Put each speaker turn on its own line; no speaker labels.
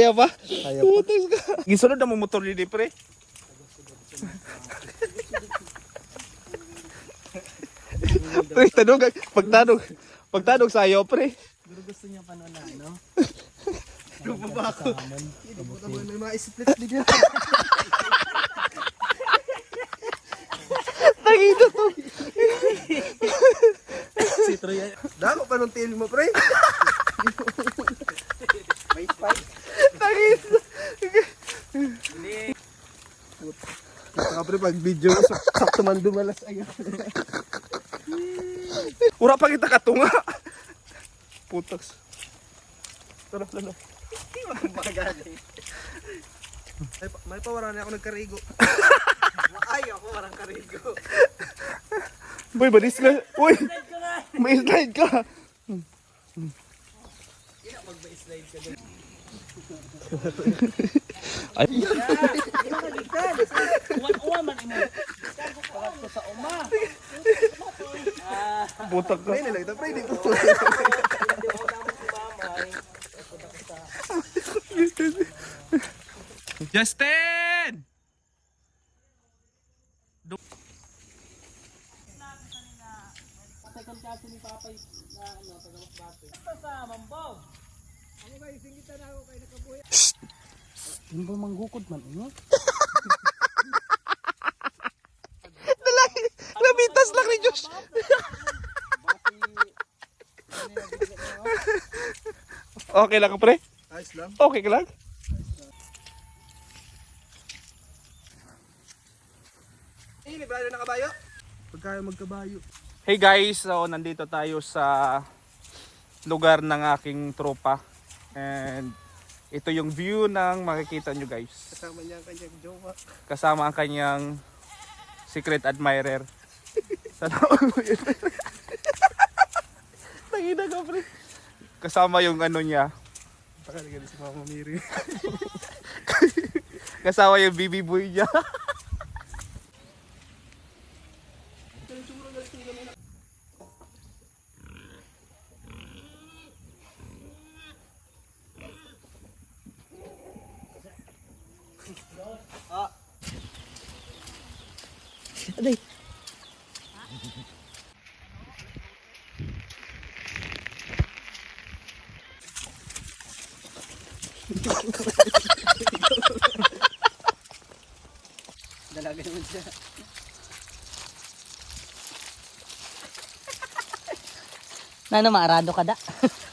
Kaya ba?
Kaya pa.
Putas ka. Gisunod na mo motor ni pre. Pre, pagtanong sa'yo, pre.
Pero gusto niya pa na ano?
Lubaba ako.
Hindi mo naman may mga split din yan.
Tangina to.
Si Troy. Dako pa nung tail mo, pre. May spike.
Tangina.
Saka pre, pag video mo, sakto man dumalas agad.
Ura pa kita katunga. Putas. Tara, lalo.
May pawara na ako nagkarigo. Ay, ako warang karigo.
Boy, balis ka. Uy, may slide ka.
Mag-slide ka doon.
Ay.
Uwan man imo. Pagkat ko sa uma.
Butak ka.
Pre, nilagta pre, di ko.
Justin!
Second kasi ni Papay na ano, tagawas bate. Ito sa Mambaw. Ako guys, singitan ako kay nakabuhi. Hindi manggukod man inyo.
Lamitas lang ni Diyos. Okay lang ka, pre?
Ayos lang.
Okay ka lang?
Librado na kabayo? Pagkaya magkabayo.
Hey guys, so nandito tayo sa lugar ng aking tropa. And ito yung view ng makikita nyo guys.
Kasama niya ang kanyang jowa.
Kasama ang kanyang secret admirer. Sana Tangina ka, pre. Kasama yung ano niya.
Pakalaga si Mama Miri.
Kasama yung BB boy niya.
Aday.
Dalaga naman siya.
Nano maarado ka da?